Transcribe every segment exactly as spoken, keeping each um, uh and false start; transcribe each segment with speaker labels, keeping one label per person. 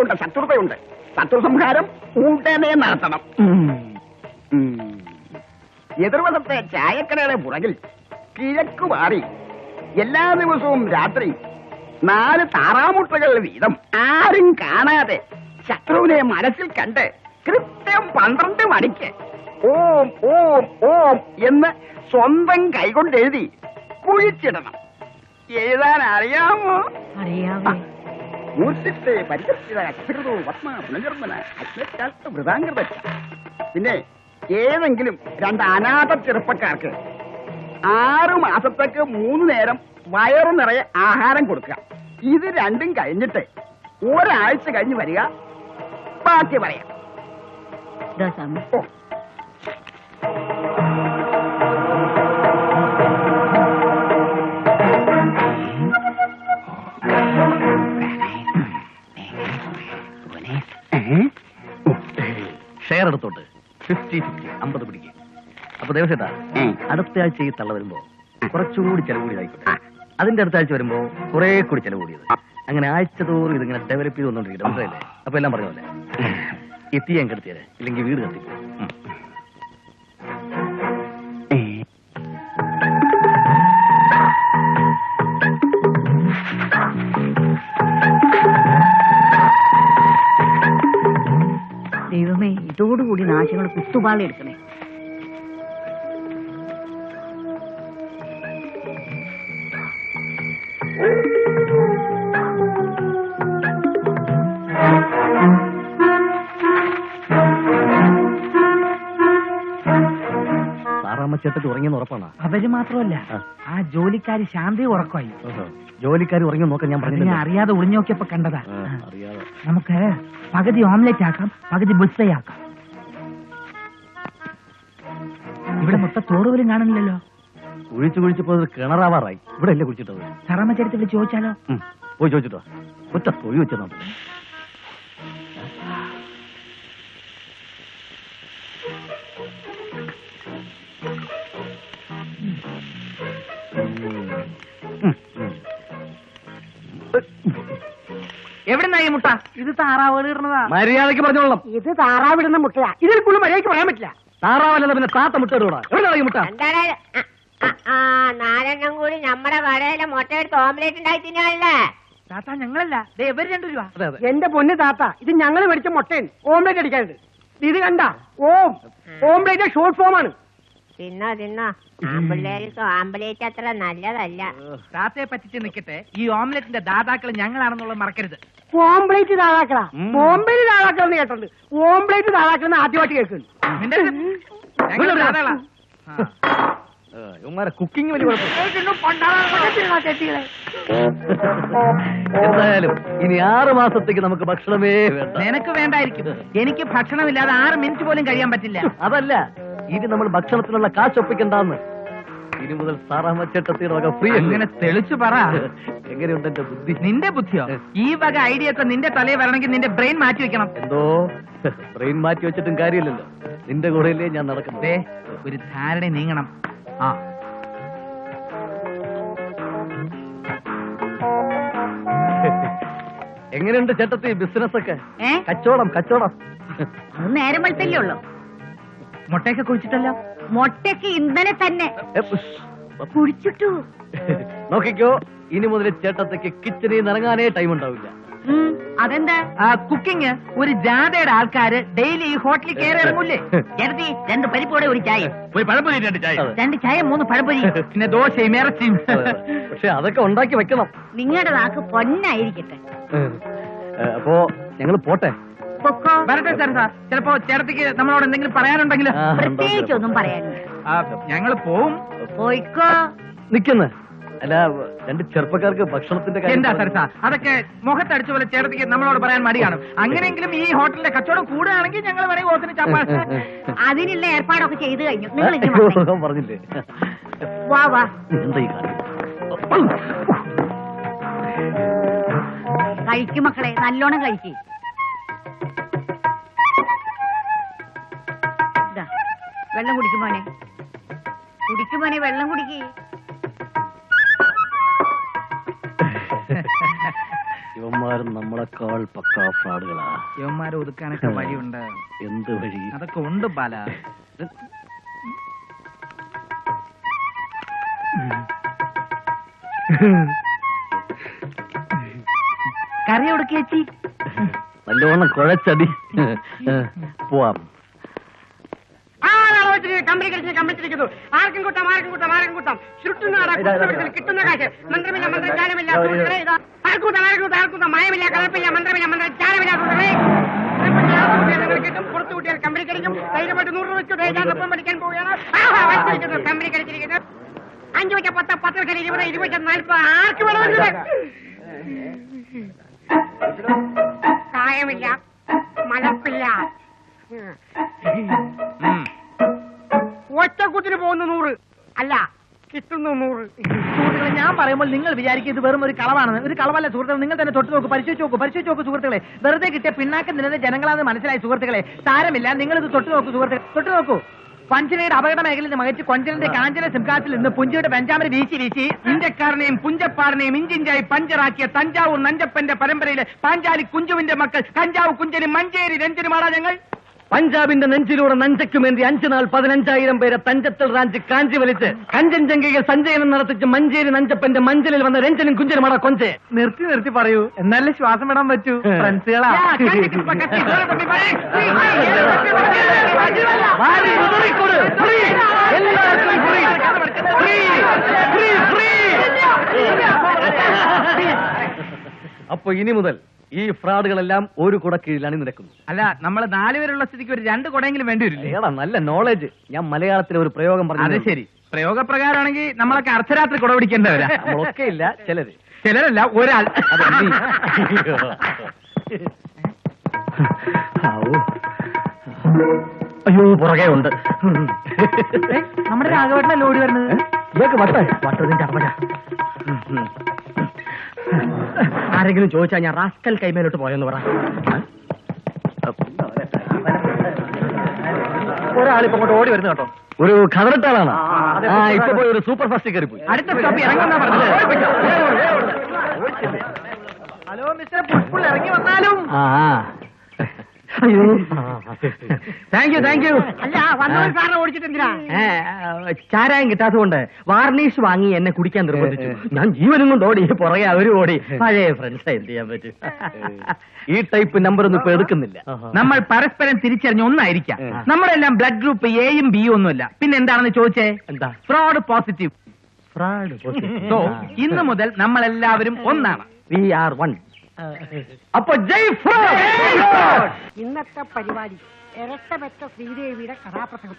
Speaker 1: ശത്രുതയുണ്ട് ശത്രുതയുണ്ട് ശത്രു സംഹാരം ഉടനെ നടത്തണം. എതിർവശത്തെ ചായക്കടയുടെ പുറകിൽ കിഴക്ക് മാറി എല്ലാ ദിവസവും രാത്രി നാല് താറാമുട്ടകൾ വീതം ആരും കാണാതെ ശത്രുവിനെ മനസ്സിൽ കണ്ട് കൃത്യം പന്ത്രണ്ട് മണിക്ക് ഓം ഓം ഓം എന്ന് സ്വന്തം കൈകൊണ്ട് എഴുതി കുഴിച്ചിടണം. എഴുതാൻ അറിയാമോ?
Speaker 2: അറിയാമോ?
Speaker 1: മൂർത്തിത്തെ പരിചരിത അക്ഷരതോ പത്മ പുനർജന്മന അജ്ഞാത്ത വൃതാംഗത. പിന്നെ ഏതെങ്കിലും രണ്ട് അനാഥ ചെറുപ്പക്കാർക്ക് ആറു മാസത്തേക്ക് മൂന്ന് നേരം വയറു നിറയെ ആഹാരം കൊടുക്കുക. ഇത് രണ്ടും കഴിഞ്ഞിട്ട് ഒരാഴ്ച കഴിഞ്ഞ് വരിക. ബാക്കി പറയാം. ഓ
Speaker 3: ഷെയർ എടുത്തോട്ട് ഫിഫ്റ്റി ഫിഫ്റ്റി അമ്പത് പിടിക്കുക. അപ്പൊ ദേവസേട്ടാ, അടുത്ത ആഴ്ച ഈ തള്ള വരുമ്പോ കുറച്ചുകൂടി ചെലവ് കൂടിയതായിക്കോട്ടെ. അതിന്റെ അടുത്ത ആഴ്ച വരുമ്പോ കുറെ കൂടി ചെലവ് കൂടിയത്. അങ്ങനെ ആഴ്ച തോറും ഇതിങ്ങനെ ഡെവലപ്പ് ചെയ്ത് വന്നോണ്ടിരിക്കും. മനസ്സിലല്ലേ? അപ്പൊ എല്ലാം പറഞ്ഞ പോലെ എത്തി ഞാൻ കെടുത്തിയത്, ഇല്ലെങ്കിൽ വീട് കത്തിക്കും.
Speaker 2: ദൈവമേ, ഇതോടുകൂടി നാശങ്ങൾ കുത്തുപാളി എടുക്കണേ.
Speaker 3: സാറാമ്മച്ചേട്ടത്തി ഉറങ്ങിയെന്ന് ഉറപ്പാണ്.
Speaker 4: അവര് മാത്രമല്ല, ആ ജോലിക്കാരി ശാന്തി ഉറക്കമായി.
Speaker 3: ജോലിക്കാരി ഉറങ്ങി നോക്കാൻ ഞാൻ പറഞ്ഞു.
Speaker 4: ഞാൻ അറിയാതെ ഒളിഞ്ഞു നോക്കിയപ്പോ കണ്ടതാ.
Speaker 3: അറിയാതെ
Speaker 4: നമുക്ക് പകുതി ഓംലെറ്റ് ആക്കാം, പകുതി ബുൾസൈ ആക്കാം. ഇവിടെ മൊത്തം തോറുപോലും കാണുന്നില്ലല്ലോ.
Speaker 3: കുഴിച്ചു കുഴിച്ചപ്പോ കിണറാവാറായി. ഇവിടെ അല്ലേ കുഴിച്ചിട്ടത്?
Speaker 4: സാറാമ്മ ചരിത്രത്തിൽ ചോദിച്ചാലോ?
Speaker 3: പോയി ചോദിച്ചിട്ടോ. ഒറ്റ തൊഴി വെച്ചോ.
Speaker 4: എവിടുന്നാ ഈ മുട്ട? ഇത് താറാവ് ഇടുന്നതാ.
Speaker 3: മര്യാദക്ക് പറഞ്ഞോളാം.
Speaker 2: ഇത് താറാവിടുന്ന മുട്ടയാ. ഇതിൽ കൂടുതൽ മര്യാദയ്ക്ക് പറയാൻ പറ്റില്ല.
Speaker 3: താറാവല്ല പിന്നെ താത്ത മുട്ട ഇടൂടാ. എവിടെയാണ് ഈ മുട്ട?
Speaker 5: നാലെണ്ണം കൂടി നമ്മുടെ കടയിലെ മുട്ട എടുത്ത് ഓംലേറ്റ് ഉണ്ടായി തിന്നാണല്ലേ?
Speaker 4: താത്ത ഞങ്ങളല്ല, ഇവര് രണ്ടു രൂപ.
Speaker 2: എന്റെ പൊന്ന് താത്ത, ഇത് ഞങ്ങൾ മേടിച്ച മുട്ടയാണ്. ഓംലേറ്റ് അടിക്കാനുണ്ട്. ഇത് കണ്ട ഓം ഓംലേറ്റ് ഷോർട്ട് ഫോം ആണ്.
Speaker 5: തിന്നോ തിന്നോ. ആമ്പിള്ളേർക്ക് ആംബുലേറ്റ് അത്ര നല്ലതല്ല.
Speaker 4: താത്തയെ പറ്റിച്ച് നിൽക്കട്ടെ, ഈ ഓംലെറ്റിന്റെ ദാതാക്കൾ ഞങ്ങളാണെന്നുള്ളത് മറക്കരുത്.
Speaker 2: ഓംപ്ലേറ്റ് താഴാക്കളാ. ബോംബെയിൽ താഴാക്കളെന്ന് കേട്ടുണ്ട്. ഓംപ്ലേറ്റ് താഴാക്കളെന്ന് ആദ്യമായിട്ട് കേൾക്കുന്നു.
Speaker 3: കുക്കിംഗ് വലിയ എന്തായാലും ഇനി ആറ് മാസത്തേക്ക് നമുക്ക് ഭക്ഷണമേ വേണ്ട.
Speaker 4: നിനക്ക് വേണ്ടായിരിക്കും. എനിക്ക് ഭക്ഷണമില്ലാതെ ആറ് മിനിറ്റ് പോലും കഴിയാൻ പറ്റില്ല.
Speaker 3: അതല്ല, ഇനി നമ്മൾ ഭക്ഷണത്തിനുള്ള കാശ് ഒപ്പിക്കണ്ടെന്ന്. ഇനി മുതൽ സാറാമ്മച്ചേട്ടത്തിയുടെ വക ഫ്രീ.
Speaker 4: അങ്ങനെ തെളിച്ചു പറ.
Speaker 3: എങ്ങനെയുണ്ട് എന്റെ ബുദ്ധി?
Speaker 4: നിന്റെ ബുദ്ധിയോ? ഈ വക ഐഡിയ ഒക്കെ നിന്റെ തലയിൽ വരണമെങ്കിൽ നിന്റെ ബ്രെയിൻ മാറ്റി വെക്കണം.
Speaker 3: എന്തോ ബ്രെയിൻ മാറ്റി വെച്ചിട്ടും കാര്യമില്ലല്ലോ. നിന്റെ കൂടെയല്ലേ ഞാൻ നടക്കുന്നത്.
Speaker 4: ഒരു ധാരണ നീങ്ങണം. ആ
Speaker 3: എങ്ങനെയുണ്ട് ചേട്ടത്തി ബിസിനസ് ഒക്കെ? കച്ചവടം കച്ചവടം
Speaker 2: അത് നേരം വെളുത്തല്ലേ ഉള്ളു.
Speaker 4: മുട്ടയൊക്കെ കുഴിച്ചിട്ടല്ലോ.
Speaker 2: മുട്ടയ്ക്ക് ഇന്നലെ തന്നെ കുഴിച്ചിട്ടു.
Speaker 3: നോക്കിക്കോ, ഇനി മുതൽ ചേട്ടത്തേക്ക് കിച്ചണിൽ നിന്ന് ഇറങ്ങാനേ ടൈം ഉണ്ടാവില്ല.
Speaker 2: അതെന്താ?
Speaker 4: കുക്കിംഗ് ഒരു ജാഥയുടെ ആൾക്കാര് ഡെയിലി ഈ ഹോട്ടലിൽ കയറി ഇറങ്ങൂലേ?
Speaker 2: ജനതി രണ്ട് പരിപ്പോടെ ഒരു ചായ,
Speaker 4: ഒരു പഴംപൊരി, രണ്ട് ചായ,
Speaker 2: രണ്ട് ചായ മൂന്ന് പഴംപൊരി,
Speaker 4: പിന്നെ ദോശയും ഇറച്ചിയും.
Speaker 3: പക്ഷെ അതൊക്കെ ഉണ്ടാക്കി വെക്കണം.
Speaker 2: നിങ്ങളുടെ നാക്ക് പൊന്നായിരിക്കട്ടെ.
Speaker 3: അപ്പോ ഞങ്ങൾ പോട്ടെ.
Speaker 4: വരട്ടെ സാർ. സാർ ചിലപ്പോ ചേട്ടത്തിക്ക് നമ്മളോട് എന്തെങ്കിലും പറയാനുണ്ടെങ്കിൽ?
Speaker 2: പ്രത്യേകിച്ചൊന്നും പറയാനില്ല.
Speaker 4: ഞങ്ങൾ പോവും.
Speaker 2: പോയിക്കോ.
Speaker 3: നിക്കുന്ന അല്ല, രണ്ട് ചെറുപ്പക്കാർക്ക് ഭക്ഷണത്തിന്റെ
Speaker 4: എന്താ സാർ സാർ അതൊക്കെ മുഖത്തടിച്ച പോലെ ചേട്ടത്തിക്ക് നമ്മളോട് പറയാൻ മടിയാണ്. അങ്ങനെയെങ്കിലും ഈ ഹോട്ടലിലെ കച്ചവടം കൂടുകയാണെങ്കിൽ ഞങ്ങൾ വേണമെങ്കിൽ ഓത്തിന് ചപ്പാ.
Speaker 2: അതിനുള്ള ഏർപ്പാടൊക്കെ ചെയ്തു കഴിഞ്ഞു. നിങ്ങൾ
Speaker 3: പറഞ്ഞില്ലേ?
Speaker 2: വാ വാ.
Speaker 3: എന്താ ഈ കാര്യം?
Speaker 2: കഴിക്കും മക്കളെ, നല്ലോണം കഴിക്കും. വെള്ളം കുടിക്കുമോനെ, കുടിക്കുമോനെ, വെള്ളം കുടിക്കേ.
Speaker 3: ഇവന്മാരും നമ്മളെക്കാൾ പക്കാ ഫ്രോഡുകളാ.
Speaker 4: യവന്മാരെ ഒതുക്കാനൊക്കെ വഴിയുണ്ട്.
Speaker 3: എന്ത് വഴി?
Speaker 4: അതൊക്കെ ഉണ്ട് ബാല. കറി എവിടേക്ക് ചേച്ചി?
Speaker 3: നല്ലോണം കുഴച്ചടി. പോവാം.
Speaker 2: കമ്പനി കളിച്ച് കമ്പിച്ചിരിക്കുന്നു. ആർക്കും കൂട്ടാം, ആർക്കും കൂട്ടാം, ആർക്കും കൂട്ടാം. ചുട്ടുന്നാടാ കിട്ടുന്ന കാശ്. മന്ത്രമില്ല, മന്ത്രജാലമില്ല, സുഹൃത്തുക്കളേ, ഇതാ. ആർക്കൂട്ടാം, ആർക്കൂട്ടാം, ആർക്കൂട്ടാം. മയമില്ല, കളപ്പില്ല, മന്ത്രമില്ല, മന്ത്രജാലമില്ല, സുഹൃത്തുക്കളേ. കിട്ടും, പുറത്തു കൂട്ടിയാൽ കമ്പനി കളിക്കും. ധൈര്യമായിട്ട് നൂറ് രൂപ വെച്ചു ധൈര്യാനൊപ്പം പഠിക്കാൻ പോവുകയാണ്. കമ്പനി കളിച്ചിരിക്കുന്നു. അഞ്ചു വെച്ച പത്ത്, പത്ത് വെച്ചാൽ ഇരുപത്, ഇരുപത് വെച്ചാൽ നാൽപ്പത്. ആർക്ക് വേണമെങ്കിൽ കായമില്ല, മലപ്പില്ല. ഒറ്റക്കുത്തിന് പോകുന്ന നൂറ് അല്ല, കിട്ടുന്നു നൂറ്.
Speaker 4: സുഹൃത്തുക്കളെ, ഞാൻ പറയുമ്പോൾ നിങ്ങൾ വിചാരിക്കും ഇത് വെറും ഒരു കളവാണെന്ന്. ഒരു കളവല്ല സുഹൃത്തുക്കളെ. നിങ്ങൾ തന്നെ തൊട്ട് നോക്കൂ, പരിശോധിച്ച് നോക്കൂ, പരിശോധിച്ച് നോക്കൂ സുഹൃത്തുക്കളെ. വെറുതെ കിട്ടിയ പിന്നാക്കം നിന്നത് ജനങ്ങളാണെന്ന് മനസ്സിലായി സുഹൃത്തുക്കളെ. സാരമില്ല, നിങ്ങൾ ഇത് തൊട്ട് നോക്കൂ സുഹൃത്തുക്കളെ, തൊട്ട് നോക്കൂ. പഞ്ചനയുടെ അപകട മേഖലയിൽ നിന്ന് മകച്ച് കൊഞ്ചലിന്റെ കാഞ്ചന സിംകാസിൽ നിന്ന് പുഞ്ചയുടെ ബെഞ്ചാമര വീശി വീശി ഇന്ത്യക്കാരനെയും പുഞ്ചപ്പാറിനെയും ഇഞ്ചിഞ്ചായി പഞ്ചറാക്കിയ തഞ്ചാവൂർ നഞ്ചപ്പന്റെ പരമ്പരയിലെ പാഞ്ചാലി കുഞ്ചുവിന്റെ മക്കൾ കഞ്ചാവ് കുഞ്ചനും മഞ്ചേരി രഞ്ജനുമാടാ ഞങ്ങൾ.
Speaker 3: പഞ്ചാബിന്റെ നെഞ്ചിലൂടെ നഞ്ചയ്ക്കുമേന്തി അഞ്ചു നാൾ പതിനഞ്ചായിരം പേരെ തഞ്ചത്തൽ റാഞ്ച് കാഞ്ചി വലിച്ച് കഞ്ചൻജംഗയിൽ സഞ്ചയനം നടത്തിച്ച് മഞ്ചേരി നഞ്ചപ്പന്റെ മഞ്ചലിൽ വന്ന രഞ്ജനും കുഞ്ചനുമാടാ കൊഞ്ച്.
Speaker 4: നിർത്തി നിർത്തി പറയൂ, എന്നാലേ ശ്വാസം വിടാൻ പറ്റൂ. ഫ്രണ്ട്സുകളാ.
Speaker 3: അപ്പൊ ഇനി മുതൽ ഈ ഫ്രോഡുകളെല്ലാം ഒരു കുട കീഴിലാണ് നിൽക്കുന്നത്.
Speaker 4: അല്ല, നമ്മൾ നാലുപേരുള്ള സ്ഥിതിക്ക് ഒരു രണ്ട് കുടയെങ്കിലും വേണ്ടി വരില്ലേ?
Speaker 3: ഏടാ നല്ല നോളജ്. ഞാൻ മലയാളത്തിലെ ഒരു പ്രയോഗം പറഞ്ഞു.
Speaker 4: അത് ശരി, പ്രയോഗപ്രകാരമാണെങ്കിൽ നമ്മളൊക്കെ അർദ്ധരാത്രി കുട പിടിക്കേണ്ടവരാ.
Speaker 3: നമ്മളൊക്കെ ഇല്ല, ചിലര്.
Speaker 4: ചിലരല്ല, ഒരാൾ.
Speaker 3: അയ്യോ, പുറകെ ഉണ്ട്.
Speaker 4: നമ്മുടെ രാഘവേട്ടനെ ലോഡ് വരുന്നത്.
Speaker 3: ഇതൊക്കെ വട്ട വട്ടതിന്റെ അർമ്മ.
Speaker 2: ആരെങ്കിലും ചോദിച്ചാൽ ഞാൻ റാസ്കൽ കൈമേലോട്ട് പോയെന്ന് പറ.
Speaker 3: ഒരാളിപ്പോ അങ്ങോട്ട് ഓടി വരുന്നു കേട്ടോ. ഒരു കതറിട്ടാളാണ്. ആ ഇപ്പൊ പോയി ഒരു സൂപ്പർ ഫാസ്റ്റ് കയറി പോയി.
Speaker 4: അടുത്ത സ്റ്റോപ്പ് ഇറങ്ങുന്ന പറഞ്ഞത്. ഹലോ മിസ്റ്റർ പുഷ്പുൾ, ഇറങ്ങി വന്നാലും.
Speaker 3: ആ അയ്യോ, താങ്ക് യു താങ്ക് യു.
Speaker 2: അല്ല, വന്നവർ സാറിനെ ഓടിച്ചിട്ടെന്തിനാ?
Speaker 3: ചാരായം കിട്ടാത്തതുകൊണ്ട് വാർണിഷ് വാങ്ങി എന്നെ കുടിക്കാൻ നിർബന്ധിച്ചു. ഞാൻ ജീവനും കൊണ്ട് ഓടി, പുറകെ അവരും ഓടി. പഴയ ഫ്രണ്ട്സ്, എന്ത് ചെയ്യാൻ പറ്റും. ഈ ടൈപ്പ് നമ്പർ ഒന്നും ഇപ്പൊ എടുക്കുന്നില്ല.
Speaker 4: നമ്മൾ പരസ്പരം തിരിച്ചറിഞ്ഞ ഒന്നായിരിക്കാം. നമ്മളെല്ലാം ബ്ലഡ് ഗ്രൂപ്പ് എയും ബിയും ഒന്നുമില്ല. പിന്നെ എന്താണെന്ന് ചോദിച്ചേ?
Speaker 3: എന്താ?
Speaker 4: Fraud positive.
Speaker 3: ഫ്രോഡ്
Speaker 4: സോ ഇന്ന് മുതൽ നമ്മളെല്ലാവരും ഒന്നാണ്.
Speaker 3: We are one. അപ്പൊ ജയ് ഫ്രോഡ്.
Speaker 2: ഇന്നത്തെ പരിപാടി ഇരട്ടപ്പെട്ട ശ്രീദേവിയുടെ കഥാപ്രസംഗം.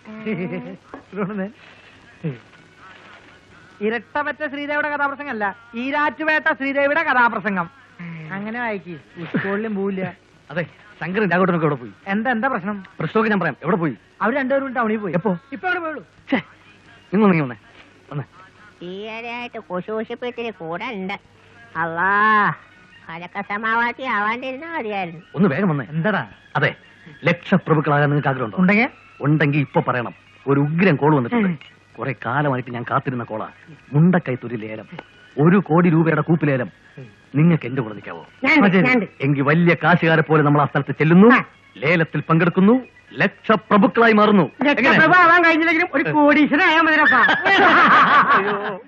Speaker 4: ഇരട്ടപറ്റ ശ്രീദേവിയുടെ കഥാപ്രസംഗം അല്ല, ഈരാറ്റുപേട്ട ശ്രീദേവിയുടെ കഥാപ്രസംഗം. അങ്ങനെ വായിക്കി, സ്കൂളിലും പോവില്ല.
Speaker 3: അതെ, ശങ്കരൻ രാഘവട്ടനൊക്കെ എവിടെ പോയി?
Speaker 4: എന്താ എന്താ പ്രശ്നം?
Speaker 3: പ്രശ്നമൊക്കെ ഞാൻ പറയാം. എവിടെ പോയി?
Speaker 4: അവർ രണ്ടുപേരും ടൗണിൽ പോയി.
Speaker 3: എപ്പോ?
Speaker 4: ഇപ്പൊ അവിടെ പോയുള്ളൂ.
Speaker 3: നിങ്ങൾ നീ വന്നേ വന്നേ.
Speaker 5: ഈയിടെയായിട്ട് കുശൂഷിപ്പിച്ചിരി കൂടെ ഉണ്ട്. അല്ലാ, അതൊക്കെ സമാവാത്തി ആവാണ്ടിരുന്നാ മതിയായിരുന്നു.
Speaker 3: ഒന്ന് വേഗം വന്നേ.
Speaker 4: എന്താടാ?
Speaker 3: അതെ, ലക്ഷപ്രഭുക്കളാകാൻ നിങ്ങൾക്ക് ആഗ്രഹമുണ്ടോ?
Speaker 4: ഉണ്ടെങ്കിൽ
Speaker 3: ഉണ്ടെങ്കിൽ ഇപ്പൊ പറയണം. ഒരു ഉഗ്രം കോൾ വന്നിട്ടുണ്ട്. കുറെ കാലമായിട്ട് ഞാൻ കാത്തിരുന്ന കോളാ. മുണ്ടക്കൈത്തൊരു ലേലം, ഒരു കോടി രൂപയുടെ കൂപ്പ് ലേലം. നിങ്ങൾക്ക് എന്റെ കൂടെ നിൽക്കാവോ? എങ്കിൽ വലിയ കാശുകാരെ പോലെ നമ്മൾ ആ സ്ഥലത്ത് ചെല്ലുന്നു, ലേലത്തിൽ പങ്കെടുക്കുന്നു, ലക്ഷപ്രഭുക്കളായി മാറുന്നു.
Speaker 2: ലക്ഷപ്രഭ ആവാൻ കഴിഞ്ഞില്ലെങ്കിലും ഒരു കോടീശ്വരനായാൽ മതിരപ്പാ.